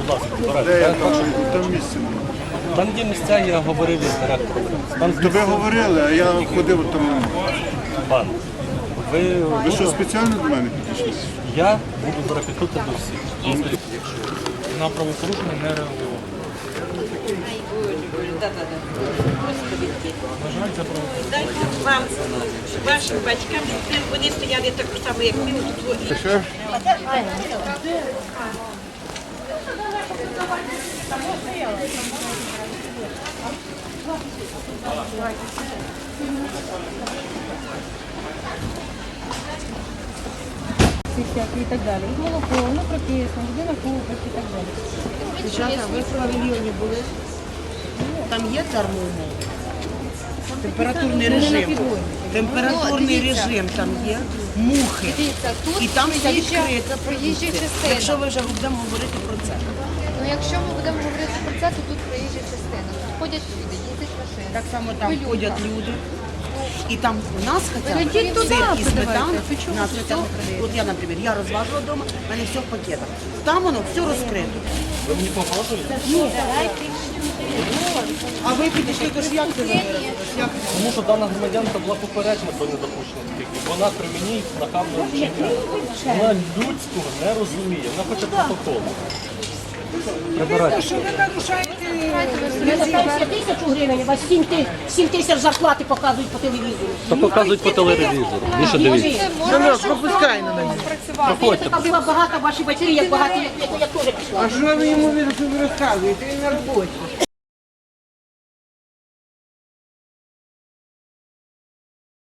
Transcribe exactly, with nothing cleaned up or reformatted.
будь ласка, Де я збирайте. там? Там місце. Там є місця, я говорив із директором. Там То ви говорили, а я ходив там. пан. Ви, Ви що, спеціально до мене підійшли? я буду брати тут до всіх. На правопорушення не реагував. На жаль, це правопорушення. Дай Бог вам, вашим батькам, щоб вони стояли так само, як ми тут. Що? всякі і так далі. І молоко, воно прописано, людина купить і так далі. Дівчата, ви в павільйоні були? Там є термоумови? Температурний Ну, не на режим. підводі. Температурний режим там є, мухи. Дивіться, тут І там все проїжджа, відкрито. проїжджа частина. Якщо ви вже будемо говорити про це. Ну, якщо ми будемо говорити про це, то тут проїжджа частина. Тут ходять люди, їздять машини. Так само там Пилюка. ходять люди. І там у нас хоча б Ідіть туди, сир і подавайте. сметана. Ви чого У нас ви хоча б, цього от я, наприклад, я розважила вдома, в мене все в пакетах. Там воно все розкрито. Ви мені погрожуєте? А ви підійшли, то ж як це заберете? Як? Тому що дана громадянка була попереджена про недопущення таких. дій. Вона при мені нахабно вчиняє. Вона людського не розуміє, вона хоче протоколу. Прибирайте. Пенсія тисячу гривень, у вас сім ти- сім тисяч зарплати показують по телевізору. То показують по телевізору. Більше дивіться. Пропускай на мене. Проходьте. Така була багата, ваші батьки, як багаті, як я теж пішла. А що ви йому розказуєте? Він на роботі.